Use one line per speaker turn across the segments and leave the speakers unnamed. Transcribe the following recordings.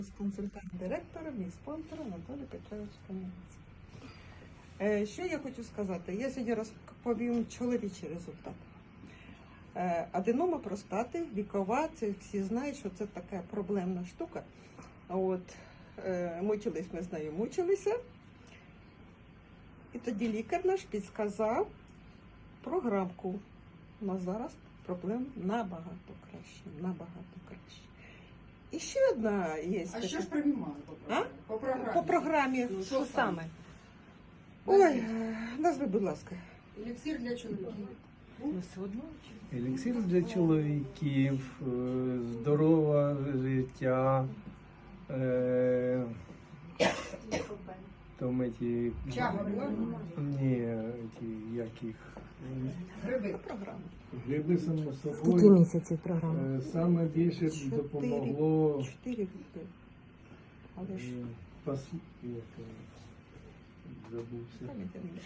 Консультант директора, мій спонсор Анатолій Петрович Кам'янець. Що я хочу сказати? Я сьогодні розповім чоловічий результат. Аденома простати, вікова, це всі знають, що це така проблемна штука. Мучились ми з нею, мучилися. І тоді лікар наш підказав програмку. У нас зараз проблем набагато краще, набагато краще. І ще одна є.
А що ж приймали по програмі?
По програмі.
Що саме?
Ой, назви, будь ласка.
Еліксир для чоловіків.
Еліксир для чоловіків, здорове життя, там эти...
Чага була?
Ні, як їх?
Гриби.
Програма.
Гриби само
Скільки
собою.
місяців програми?
Саме більше допомогло...
4 гриби. Але ж
забувся.
пам'ятаєте.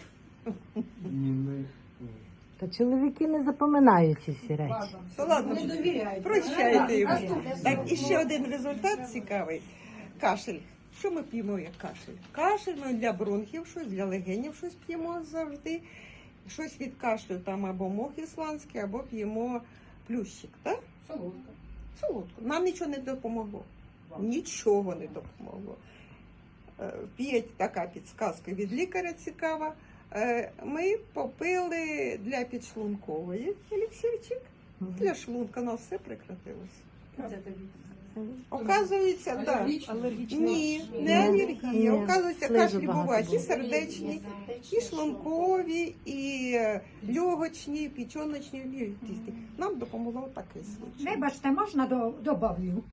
Та чоловіки не запоминають ці всі речі.
То ладно,
Не довіряйте.
прощайте йому.
Наступне.
Так, і ще один результат цікавий. Кашель. Що ми п'ємо як кашель? Кашель ми для бронхів щось, для легенів щось п'ємо завжди. Щось від кашлю, там або мох ісландський, або п'ємо плющик, так?
Солодка.
Солодко. Нам нічого не допомогло. Нічого не допомогло. Є така підсказка від лікаря цікава. Ми попили для підшлункової еліксирчик. Для шлунка у нас все прекратилось.
Це тобі.
Оказується, так.
Алергічний?
Ні, не алергія.
Ні.
Оказується,
Слизу
кашлі
багато
бувають і
було.
сердечні, і шлункові, і легочні, і печоночні, і тісті. Нам допомогло такий случай.
Вибачте, можна добавлю?